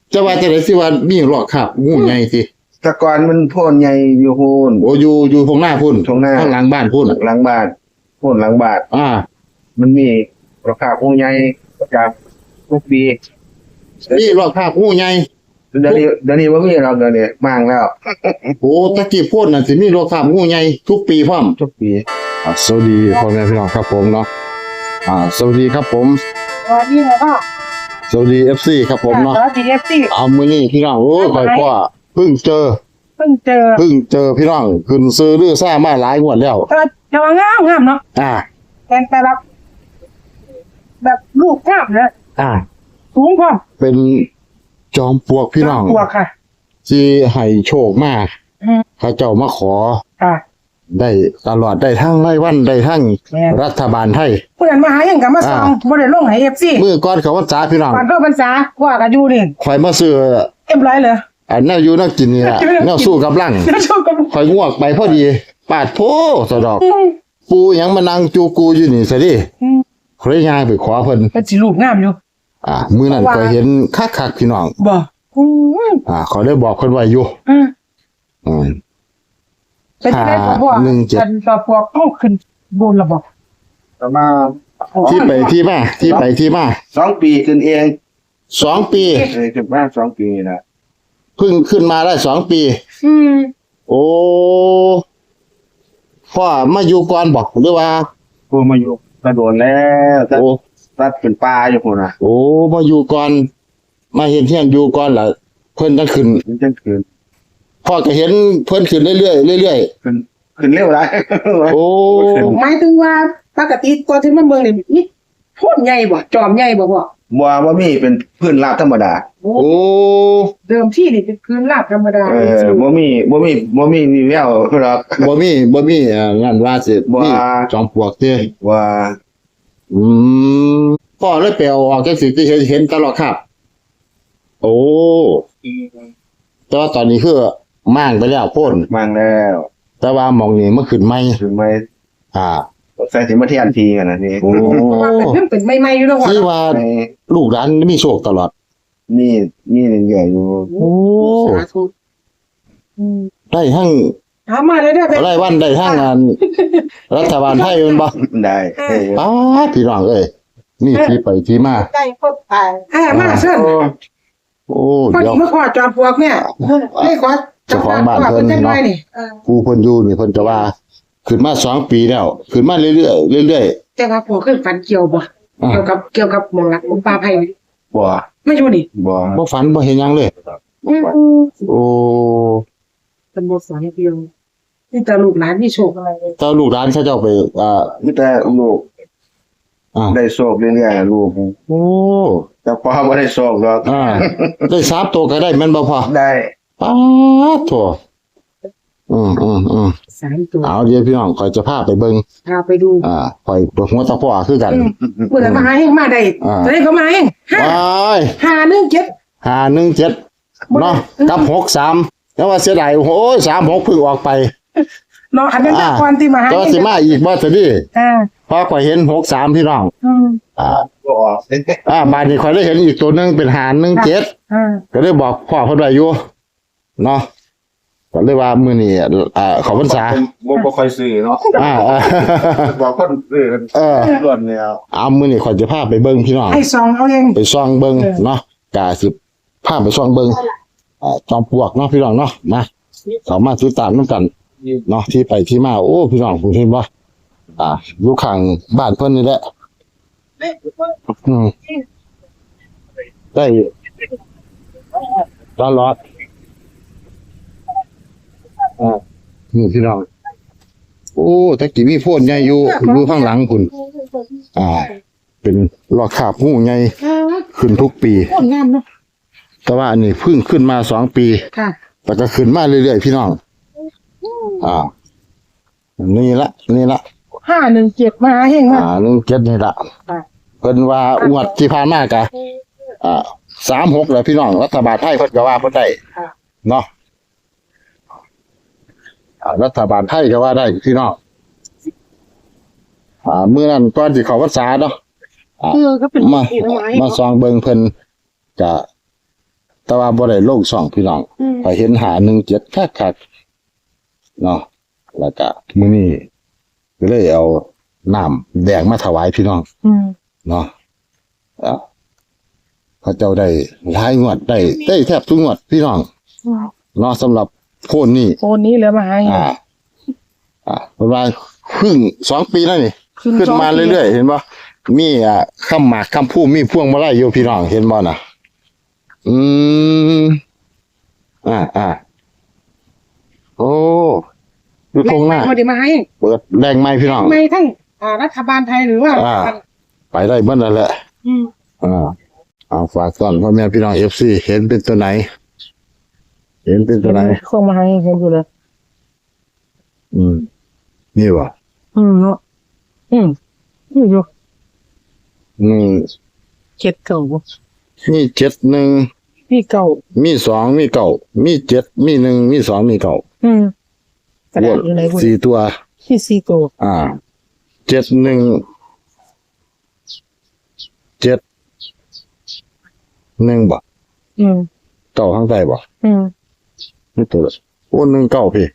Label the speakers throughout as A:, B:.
A: จะว่าจะได้สิว่ามีหลอกคาบงูใหญ่สิ
B: แตะกอนมันโพ่นใหญ่อยู่โพ่น
A: โอ้อยู่ตรงหน้าพุ่น
B: ตรงหน้า
A: ข้างหลังบ้านพุ่น
B: หลังบ้านโพ่นหลังบ้าน มันมีราคาผู้ใหญ่ประจำทุกปี
A: มีหลอกคาบงูใหญ่
B: เดี๋ยวนี้ว่ามีเราเดี๋ยวนี้มั่งแล้ว
A: โอ้ตะกี้พุ่นน่ะสิมีหลอกคาบงูใหญ่ทุกปีพร้อม
B: ทุกปี
A: สวัสดีพ่อแม่พี่น้องครับผมเนาะสวัสดีครับผม
C: สวัสดีค่ะ
A: สวัสดี FC ครับผมเนาะ
C: สวัสดีเอฟซี
A: เอามื้อนี้พี่น้องโอ้ยข่อยก็เพิ่งเจอ
C: เพิ่งเจอ
A: พี่น้องขึ้นซื้อลือซ่ามาหลายงวดแล้ว
C: แต่ว่างามเนาะ
A: อ่า
C: แต่แบบลูกงามนะ
A: อ่า
C: สูงพอ
A: เป็นจอมปลวกพี่น้อง
C: ตัวค่ะ
A: ที่ให้โชคมา
C: อืม
A: เขาเจ้ามาขอ
C: ค่ะ
A: ได้ตลอดได้ทั้งรายวันได้ทั้ง
C: แม่น
A: รัฐบาลไทย
C: ผู้นั้นมาหายังกับมาซองบ่ได้ลงให้เอฟซี
A: มื้อก่อนเขาว่าจ้าพี่น้อง
C: ก่อนเข้าพรรษาว่ากันอยู่นี่
A: ข่อยมาซื้อ
C: เอ็มร้อยเลย
A: อันแนวอยู่แนวกินนี่แหละแนวสู้กับลัง
C: จะชมกัน
A: ข่อยงวกไปพอดีปาดโพสะดอก ปูหยังมานั่งจูกูอยู่นี่ซะดิข่อยย่างไปขอเพิ่น
C: เป็นสิลูกงามอยู่
A: มื้อนั้นก็เห็นคักๆพี่น้อง
C: บ่อืม
A: เขาได้บอกเพิ่นไว้อยู่
C: อืม
A: อืม
C: เป็นได้บ่ว่า
A: 517
C: เป็นต่อพวกเอาขึ้นบนระบบ
B: ประมาณ
A: ที่ไปที่มา
B: 2 ปีขึ้นเอง
A: 2 ปี
B: ขึ้นมา2 ปีนะ
A: เพิ่งขึ้นมาได้2 ปี
C: อืม
A: โอ้พ่อมาอยู่ก่อนบอกหรือว่า
B: ผู้มาอยู่กระโดดแล้วตัด
A: โอ้
B: ตัดเป็นปลาอยู่พุ่นน่ะ
A: โอ้มาอยู่ก่อนมาเห็นเที่ยงอยู่ก่อนล่ะเพิ่นจะขึ้น
B: มันจังขึ้น
A: พ่อก็เห็นเพิ่นขึ้นเรื่อยๆเรื่อย
B: ขึ้นเร็วหลาย
A: ๆโอ้
C: หมายถึงว่าปกติก่อนที่มันเบิ่งนี่นี่โพดใหญ่บ่จอมใหญ่บ่พ่อ
B: บ่มีเป็นพื้นราบธรรมดา
C: โอ้
A: โอ้
C: เดิมที่นี่เป็นพื้นราบธรรมดา
B: บ่มีนี่แววหรอก
A: บ่มีงานว่าสิ
B: บ่
A: มีจอมปลวกเด้
B: ว่า
A: อืมพ่อเลยไปเอาออกจังสิที่เห็นตลอดครับ โอ้แต่ว่าตอนนี้คือม่างไปแล้วโพ่น
B: มั่งแล้ว
A: แต่ว่าหมองนี้มันขึ้นใหม่
B: ถึงไม่
A: อ่า
B: ใส่สิมาเทียนทีกันนะนี่
A: โอ้
C: เพราะว่าเป็นใหม่ๆอยู่แล้วว่า
A: คือว่าลูกหลานมีโชคตลอด
B: นี่ใหญ่อยู่
A: โอ้
C: สาธุอืม
A: ได้ทั้ง
C: ถามมาเลยได้อ
A: รายวันได้ทั้งงานรัฐบาลไทยแมันบ่
B: ได้
A: ป้าดพี่น้องเอ้ยนี่ที่ไปที่มา
C: ใกล้ครบมาเชิญ
A: โอ้
C: พอ
A: เดี๋
C: ดี
A: ยว
C: มาขอจอมปลวกเนี่ยไม่ขอ
A: เจ้าของบ้านเพิ่น
C: จัง
A: เนาะ
C: ไดนี่
A: ผู้เพิ่นอยู่นี่เพิ่นจะว่าขึ้นมา2 ปีแล้วขึ้นมาเรื่อยๆเรื่อย
C: แต่ว่าพอขึ้นฝันเกี่ยวบ่
A: ๆอ่า
C: เกี่ยวกับหมองรักของปลาไผ่
B: บ่
C: ไม่อยู่นี่
B: บ่
A: บ่ฝันบ่เห็นหยังเลย
C: อืม
A: โอ้
C: เป็นบ่ฝันเดียวนี่แต่ลูกหลานนี่โชคอะไรเลย
A: เจ้าลูกหลานเขาเจ้าไป
B: มีแต่ลูก
A: อ่า
B: ได้โชคเรื่อยๆลูก
A: โอ้
B: แต่พอบ่ได้โชคหรอก
A: ได้3 ตัวก็ได้แม่นบ่พอ
B: ได้
A: ป๊าดโถอืม
C: 3 ตัว
A: เอาเดี๋ยวพี่น้องข่อยจะพาไปเบิ่ง
C: พาไปดู
A: ข่อยปวดหัวตะพ่อคือกัน
C: เมื่อไหร่มาหาเฮงมาได้จะได้เขามาเฮง
A: ว้าย
C: 517
A: 517เนาะกับ63แล้วว่าเสียดายโอ้ย36เพิ่งออกไป
C: เนาะอันนั้นแต่ก่อนที่มาหา
A: แต่ว่าสิมาอีกบ่ซะดิ
C: อ่า
A: พอข่อยเห็น63พี่น้อง
B: บ่ออก
A: บ้านนี้ข่อยได้เห็นอีกตัวหนึงเป็น517ก็เลยบอกพ่อเพิ่นไว้อยู่เนาะก็เลยว่ามื้อนี้เข้าพรรษา
B: บ่ค่อยซื้อเนาะ บอกคนซื้อกันล้วนแล้ว
A: เอามื้อนี้ข่อยจะพาไปเบิ่งพี่น้อง
C: ให้ซองเอาเอง
A: ไปส่องเบิ่งเนาะกะสิพาไปส่องเบิ่งจอมปลวกเนาะพี่น้องเนาะมาเข้ามาติดตามนำกันเนาะที่ไปที่มาโอ้พี่น้องผมเห็นบ่อยู่ข้างบ้านเพิ่นนี่แหละได้ตลอดนี่พี่น้องโอ้ตะกี้มีโพนใหญ่อยู่ข้างหลังคุณเป็นลอกคราบงูใหญ่ขึ้นทุกปี
C: โคตรงามเนาะ
A: แต่ว่าอันนี้เพิ่งขึ้นมา2 ปี
C: ค่ะ
A: แต่ก็ขึ้นมาเรื่อยๆพี่น้องนี่ละ
C: 517มาหาเฮงมา
A: 17นี่ละเพิ่นว่างวดที่ผ่านมากะ36แล้วพี่น้องรัฐบาลไทยเพิ่นก็ว่าเพิ่นได้เนาะรัฐบาลไทยก็ว่าได้พี่น้องมื้อนั้นก่อนสิเข้าพรรษาเนาะ
C: ก็เป็น
A: มา
C: ที่ไม้
A: มาซองเบิ่งเพิ่นก็แต่ว่าบ่ได้ลงช่องพี่น้องพอเห็นหา17คักๆเนาะแล้วก็มื้อนี้ก็เลยเอาน้ำแดงมาถวายพี่น้องเนาะพระเจ้าได้หลายงวดได้แทบทุกงวดพี่น้องเนาะสำหรับโคนนี้
C: โคนนี้เหลือมาให้
A: ประมาณครึ่ง2 ปีแล้วนี่ขึ้นมาเรื่อยๆเห็นบ่มีคำหมากคำพูดมีพวงมาลัยอยู่พี่น้องเห็นบ่น่ะโอ้ดูตรงหน้า
C: บ่ได้มาให้
A: เปิดแรงไม้พี่น้อง
C: ไม่ทั้งรัฐบาลไทยหรือว่า
A: ไปได้เมื่อนั่นแหละฝากก่อนพ่อแม่พี่น้อง FC เห็นเป็นตัวไหน เห็นเป็นตัวไหน
C: คงมาให้เห็นอยู่เลย
A: นี่วะ
C: เนาะนี่อยู่7 เก่าบ่
A: มี71
C: นี่เก่า
A: มี2มี9มี7มี1มี2มี9
C: กระดาษอยู่ไหนบ่
A: 4ตัว
C: ที่4 ตัว
A: 71 7 1บ่เก้าข้างใต้บ่นี่ตัวละโอ้1 9พี่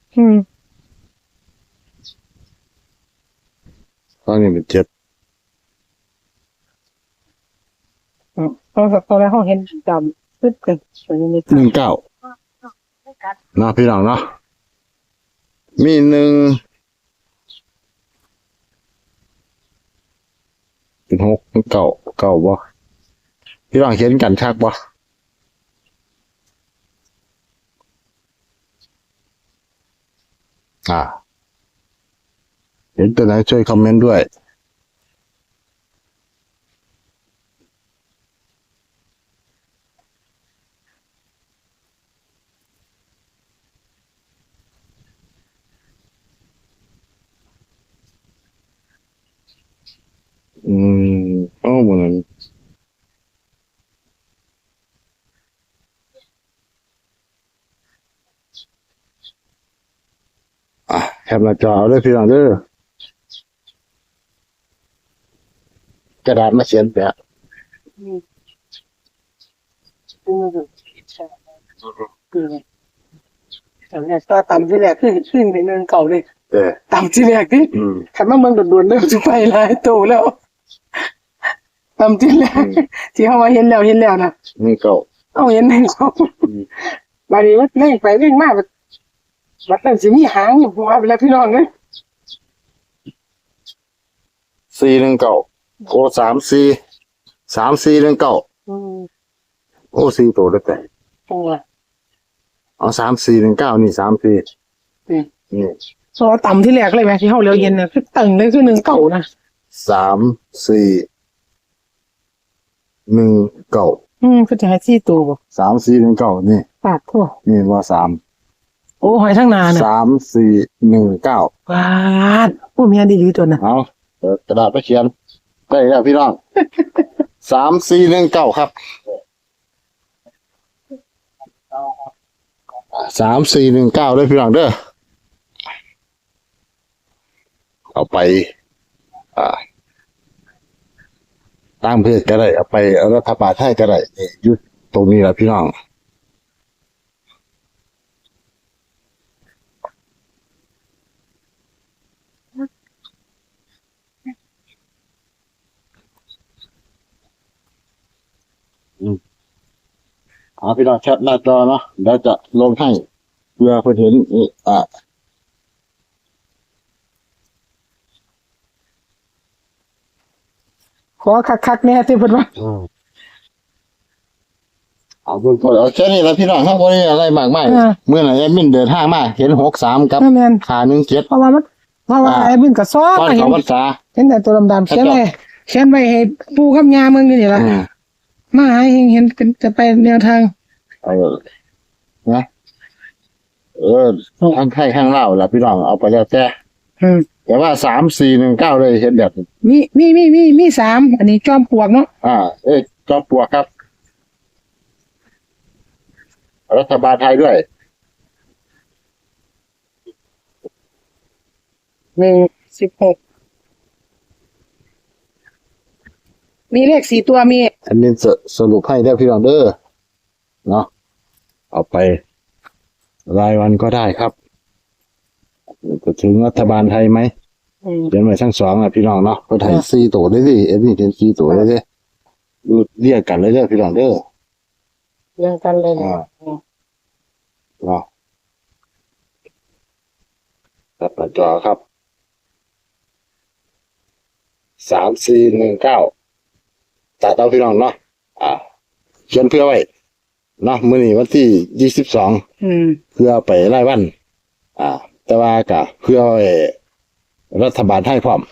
A: ข้างนี้เป็น7
C: ตอนแรกเขาเห็นดำปึ๊บกัน
A: 19นะพี่น้องเนาะมี1เป็น6เป็น9บ่พี่น้องเห็นกันชักบ่เห็นตัวไหนช่วยคอมเมนต์ด้วยเหมือนแคปหน้าจอเอาด้วยพี่น้องเด้อกระดาษมาเขียนแปะ
C: ก็ต่ำที่แรกขึ้นไปเนินเก่าเลย ต่ำที่แรกที่ ขันมาเมืองด่วนๆเริ่มจะไปหลายตัวแล้วต่ำที่แรกที่เขามาเห็นแล้วนะ
A: นี่เก่า
C: เอาเห็นหนึ่งเขาบาดนี้มันเล่งไปเล่งมากบัดนั้นสิมีหางอยู่หัวไปแล้วพี่น้องเลย
A: 419โอ้34 โอ้4ตัวได้แต่
C: ตัว
A: เอา3419นี่34นี่
C: โซต่ำที่แรกเลยไหมที่เขาเลี้ยวเย็นน่ะคือตึงเลยคือ19นะ
A: 3419
C: คือจะให้4 ตัวบ่
A: 3419นี่
C: ปาดทั่ว
A: นี่ว่า3
C: โอ้หอยทั้งนาน่ะ
A: 3419
C: ปาดโอ้เมียดีๆตัวน่ะ
A: เอากระดาษไปเขียนได้แล้วพี่น้อง3419ครับ3419ด้วยพี่น้องเด้อเอาไปตั้งเพจก็ได้เอาไปรัฐบาลไทยก็ได้อยู่ตรงนี้แหละพี่น้องพี่น้องแคปหน้าจอเนาะแล้วจะลงให้เพื่อเพื่อเห็น
C: ขอคักๆแน่ที่เพิ่นว่า
A: เอาเบิ่งก่อนเอาแค่นี้แล้วพี่น้องครับบ่ได้อะไรมากมายเมื่อไหร่แอดมินเดินทางมาเห็น63กับ517
C: เพราะว่าไอ้บุญก็ซ้อ
A: ตอน
C: เห็
A: เข้าน พรรษา
C: เห็นแต่ตัวดำๆเขียนไว้ให้ปู่กับย่าเมืองนี่ล่ะมาให้เห็นจะไปแนวทาง
A: นะทางไทยทางลาวล่ะพี่น้องเอาไปแล้วแต่ว่า3419เลยเห็นแบบ
C: มี3อันนี้จอมปลวกเนาะ
A: จอมปลวกครับรัฐบาลไทยด้วย
C: 16มีเลข4 ตัวมี
A: อันนี้สรุปให้ได้พี่น้องเด้อเนาะเอาไปรายวันก็ได้ครับจะถึงรัฐบาลไทยไหมเขียนไว้ทั้งสองอ่ะพี่น้องเนาะก็ไทย4 ตัวได้ดิเอ็นี่เป็น4 ตัวได้ดิดูเรียกกันเลยเด้อพี่น้องเด้อ
C: เรียงกันเลยนะ
A: เนาะตัดหน้าจอครับ3419ตัดเอาพี่น้องเนาะเขียนเพื่อไว้เนาะมื้อนี้วันที่22เพื่อไปรายวันแต่ว่าก็เพื่อไว้รัฐบาลไทยพร้อม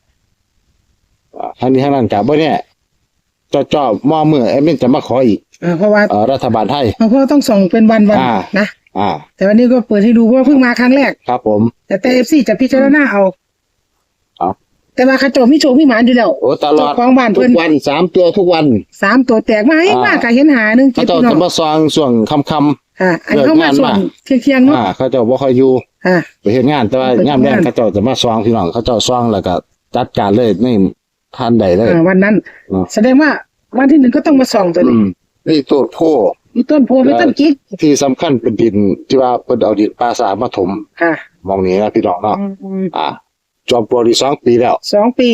A: ทั้งนี้ทั้งนั้นก็บ่เนี่ยจ่อๆมอมือแอดมินจะมาขออีก
C: เพราะว่า
A: รัฐบาลไทย
C: เพราะว่าต้องส่งเป็นวันนะแต่วันนี้ก็เปิดให้ดูเพราะว่าเพิ่งมาครั้งแรก
A: ครับผม
C: แต่ FC จะพิจารณาเอา
A: ครับ
C: แต่ว่าเขาโจมีโชคมีหมานอยู่แล้ว
A: โอ้ตลอด
C: เจ้าของบ้าน
A: ทุ
C: เพิ่
A: ก
C: น
A: วัน3 ตัวทุกวัน
C: 3 ตัวแตกมาให้มากก็เห็นหาหนึง
A: เขา
C: เจ็ด
A: เจ้า
C: พี่น้อ
A: จะ
C: ง
A: มาซองช่วงค่ำ
C: อันเข้ามาส่วนเที่ยงๆเนาะ
A: เขาเจ้าบ่ค่อยอยู่
C: อ่า
A: ไปเฮ็ดงานแต่ว่า
C: ไปเฮ็ดงาน
A: ยามแลงเขาเจ้าจะมาซองพี่น้องเขาเจ้าซองแล้วก็จัดการเลยในทันใดเลย
C: วันนั้น
A: เนาะ
C: แสดงว่าวันที่ 1ก็ต้องมาส่องตัวนี้
A: นี่ตัวโพ
C: มีต้นโพมีต้นกิ๊ก
A: ที่สำคัญเป็นดินที่ว่าเพิ่นเอาดินปลาสามาถม
C: ค่ะ
A: มองนี้นะพี่น้องเนาะจอมปลวกที่2 ปีแล้ว
C: 2 ปี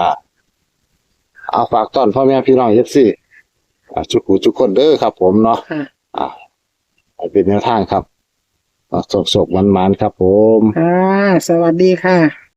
A: เอาฝากต้อนพ่อแม่พี่น้อง FC ทุกคนเด้อครับ ผมเนาะ
C: ค่ะ
A: ให้เป็นแนวทางครับสกๆมันๆครับผม
C: สวัสดีค่ะ